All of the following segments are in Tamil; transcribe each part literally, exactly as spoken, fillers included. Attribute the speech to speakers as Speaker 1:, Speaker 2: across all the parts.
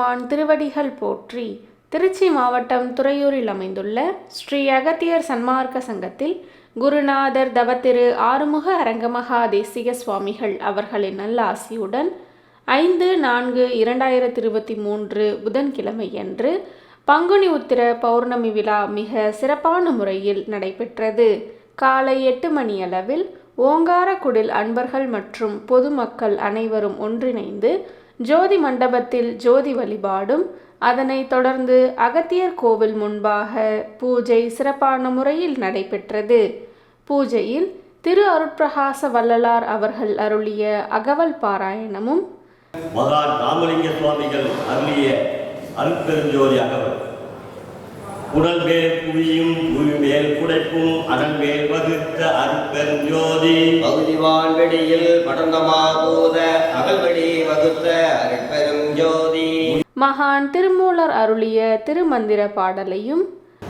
Speaker 1: எம்பெருமான் திருவடிகள் போற்றி. திருச்சி மாவட்டம் துறையூரில் அமைந்துள்ள ஸ்ரீ அகத்தியர் சன்மார்க்க சங்கத்தில் குருநாதர் தவத்திரு ஆறுமுக அரங்கமகா தேசிக சுவாமிகள் அவர்களின் நல்ல ஆசியுடன் ஐந்து நான்கு இரண்டாயிரத்தி இருபத்தி மூன்று புதன்கிழமையன்று பங்குனி உத்திர பௌர்ணமி விழா மிக சிறப்பான முறையில் நடைபெற்றது. காலை எட்டு மணியளவில் ஓங்காரக்குடில் அன்பர்கள் மற்றும் பொதுமக்கள் அனைவரும் ஒன்றிணைந்து ஜோதி மண்டபத்தில் ஜோதி வழிபாடும், அதனைத் தொடர்ந்து அகத்தியர் கோவில் முன்பாக பூஜை சிறப்பான முறையில் நடைபெற்றது. பூஜையில் திரு அருட்பிரகாச வள்ளலார் அவர்கள் அருளிய அகவல் பாராயணமும்,
Speaker 2: மகான் ராமலிங்க சுவாமிகள் அருளிய அருட்பெருஞ்சோதி அகவல். உடல் மேல் புவியும் புவி மேல் குடைப்பும் அடல் மேல் வகுத்த அருட்பெருஞ்சோதி பகுதி வான்வெளியில் படர்ந்தமாபூத அகல்வெளி வகுத்த அருட்பெருஞ்சோதி.
Speaker 1: மகான் திருமூலர் அருளிய திருமந்திர பாடலையும்,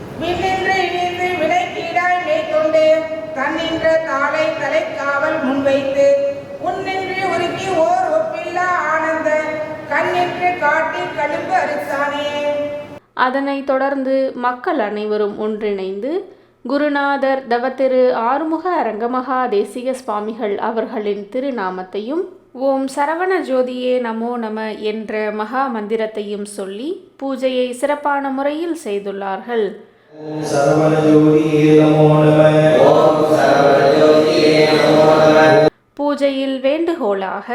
Speaker 3: தன்னின்ற தாளை தலைக்காவல் முன்வைத்து உன்னின்று உருக்கி ஓர் ஒப்பில்லா ஆனந்த கண்ணின்று காட்டி கழும்பு அரிசானே.
Speaker 1: அதனைத் தொடர்ந்து மக்கள் அனைவரும் ஒன்றிணைந்து குருநாதர் தவத்திரு ஆறுமுக அரங்கமகா தேசிக சுவாமிகள் அவர்களின் திருநாமத்தையும் ஓம் சரவண ஜோதியே நமோ நம என்ற மகா மந்திரத்தையும் சொல்லி பூஜையை சிறப்பான முறையில் செய்துள்ளார்கள். பூஜையில் வேண்டுகோளாக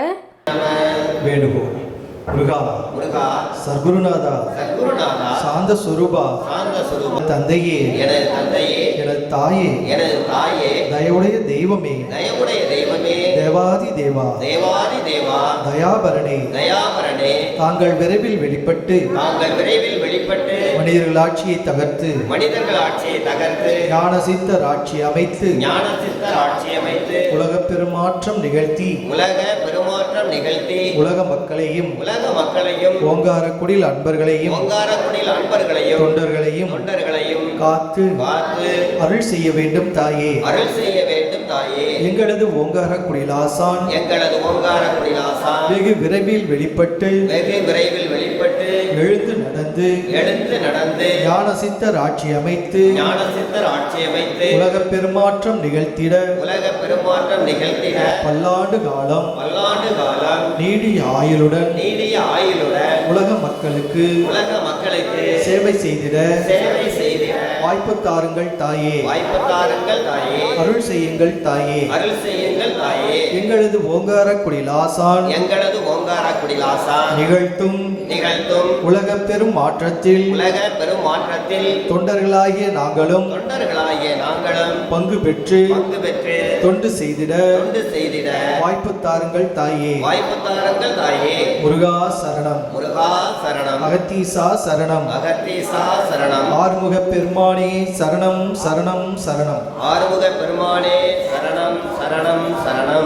Speaker 4: வேண்டுகோள் முருகா
Speaker 2: முருகா
Speaker 4: சர்க்குருநாதா
Speaker 2: சர்க்குருநாதா
Speaker 4: சாந்த சுரூபா
Speaker 2: சாந்த சுரூபா
Speaker 4: தந்தையே
Speaker 2: எனது தந்தையே
Speaker 4: எனது தாயே
Speaker 2: எனது தாயே
Speaker 4: தயவுடைய தெய்வமே
Speaker 2: தயவுடைய தெய்வமே
Speaker 4: தேவாதி தேவா
Speaker 2: தேவாதி தேவா
Speaker 4: தயாபரணே
Speaker 2: தயாபரணே
Speaker 4: தாங்கள் விரைவில் வெளிப்பட்டு
Speaker 2: தாங்கள் விரைவில் வெளிப்பட்டு
Speaker 4: மனிதர்கள் ஆட்சியை தகர்த்து
Speaker 2: மனிதர்கள் ஆட்சியை தகர்த்து
Speaker 4: ஞான சித்தர் ஆட்சி அமைத்து
Speaker 2: ஞான சித்தர் ஆட்சி அமைத்து
Speaker 4: உலக பெருமாற்றம் நிகழ்த்தி
Speaker 2: உலக பெருமாற்றம் நிகழ்த்தி
Speaker 4: உலக மக்களையும்
Speaker 2: உலக மக்களையும்
Speaker 4: ஓங்காரக்குடில் அன்பர்களையும்
Speaker 2: ஓங்காரக்குடில் அன்பர்களையும்
Speaker 4: தொண்டர்களையும்
Speaker 2: தொண்டர்களையும்
Speaker 4: காத்து
Speaker 2: காத்து
Speaker 4: அருள் செய்ய வேண்டும் தாயே.
Speaker 2: அருள் செய்ய வேண்டும் தாயே.
Speaker 4: எங்களது ஓங்காரக்குடில் ஆசான்
Speaker 2: எங்களது ஓங்காரக்குடில் ஆசான்
Speaker 4: வெகு விரைவில் வெளிப்பட்டு
Speaker 2: வெகு விரைவில் வெளிப்பட்டு
Speaker 4: எழுந்து நடந்து
Speaker 2: எழுந்து நடந்து
Speaker 4: ஞான சித்தர் ஆட்சி அமைத்து
Speaker 2: ஞான சித்தர் ஆட்சி அமைத்து
Speaker 4: உலக பெருமாற்றம் நிகழ்த்திட
Speaker 2: உலக பெருமாற்றம் நிகழ்த்திட
Speaker 4: பல்லாண்டு காலம்
Speaker 2: பல்லாண்டு காலம்
Speaker 4: நீடிய ஆயுளுடன்
Speaker 2: நீடிய ஆயுளுடன்
Speaker 4: உலக மக்களுக்கு
Speaker 2: உலக மக்களுக்கு
Speaker 4: சேவை செய்திட
Speaker 2: சேவை செய்திட
Speaker 4: வாய்ப்பு தாருங்கள் தாயே.
Speaker 2: வாய்ப்பு தாருங்கள் தாயே.
Speaker 4: அருள் செய்யுங்கள் தாயே.
Speaker 2: அருள் செய்யுங்கள் தாயே.
Speaker 4: எங்களது ஓங்காரக்குடில் ஆசான்
Speaker 2: எங்களது ஓங்காரக்குடில் ஆசான்
Speaker 4: நிகழ்த்தும்
Speaker 2: நிகழ்த்தும்
Speaker 4: உலக பெரும் மாற்றத்தில்
Speaker 2: உலக பெரும் மாற்றத்தில்
Speaker 4: தொண்டர்களாகிய நாங்களும்
Speaker 2: தொண்டர்களாகிய நாங்களும்
Speaker 4: பங்கு பெற்று
Speaker 2: பங்கு பெற்று
Speaker 4: தொண்டு செய்திட
Speaker 2: தொண்டு செய்திட
Speaker 4: வாய்ப்பு தாருங்கள் தாயே.
Speaker 2: வாய்ப்பு தாருங்கள் தாயே.
Speaker 4: முருகா சரணம்.
Speaker 2: முருகா சரணம்.
Speaker 4: அகத்தீசா சரணம்.
Speaker 2: அகத்தீசா சரணம்.
Speaker 4: ஆறுமுக பெருமானே சரணம் சரணம் சரணம்.
Speaker 2: ஆறுமுக பெருமானே சரணம் சரணம் சரணம்.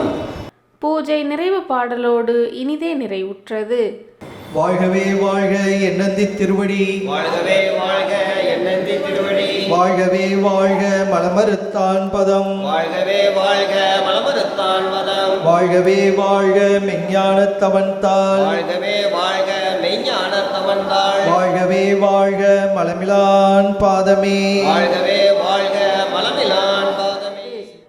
Speaker 1: பூஜை நிறைவு பாடலோடு இனிதே நிறைவுற்றது.
Speaker 4: வாழ்கவே வாழ்க என்னந்தி திருவடி.
Speaker 2: வாழ்கவே வாழ்க என்னந்தி திருவடி.
Speaker 4: வாழ்கவே வாழ்க மலமறுத்தான் பதம்.
Speaker 2: வாழ்கவே வாழ்க மலமறுத்தான் பதம்.
Speaker 4: வாழ்கவே வாழ்க மெஞ்ஞானத்தவன் தாள்.
Speaker 2: வாழ்கவே வாழ்க மெய்ஞானத்தவன் தாள்.
Speaker 4: வாழ்கவே வாழ்க மலமிலான் பாதமே.
Speaker 2: வாழ்கவே வாழ்க மலமிலான் பாதமே.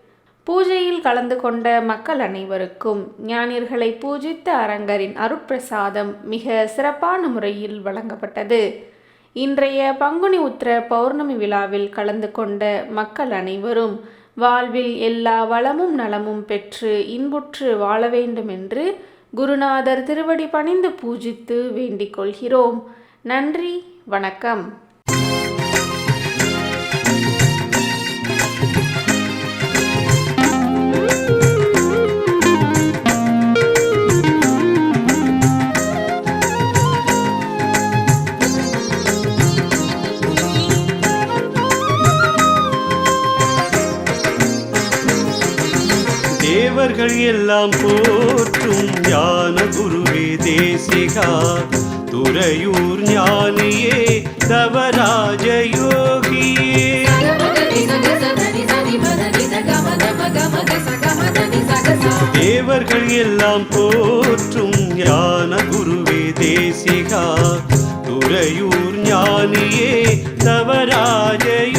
Speaker 1: பூஜையில் கலந்து கொண்ட மக்கள் அனைவருக்கும் ஞானியர்களை பூஜித்த அரங்கரின் அருட்பிரசாதம் மிக சிறப்பான முறையில் வழங்கப்பட்டது. இன்றைய பங்குனி உத்திர பௌர்ணமி விழாவில் கலந்து கொண்ட மக்கள் அனைவரும் வாழ்வில் எல்லா வளமும் நலமும் பெற்று இன்புற்று வாழ வேண்டும் என்று குருநாதர் திருவடி பணிந்து பூஜித்து வேண்டிக் கொள்கிறோம். நன்றி, வணக்கம்.
Speaker 5: தேவர்கள் எல்லாம் போற்றும் ஞான குருவே தேசிகா, துறையூர் ஞானியே தவராஜ யோகியே. தேவர்கள் எல்லாம் போற்றும் ஞான குருவே தேசிகா, துறையூர் ஞானியே தவராஜ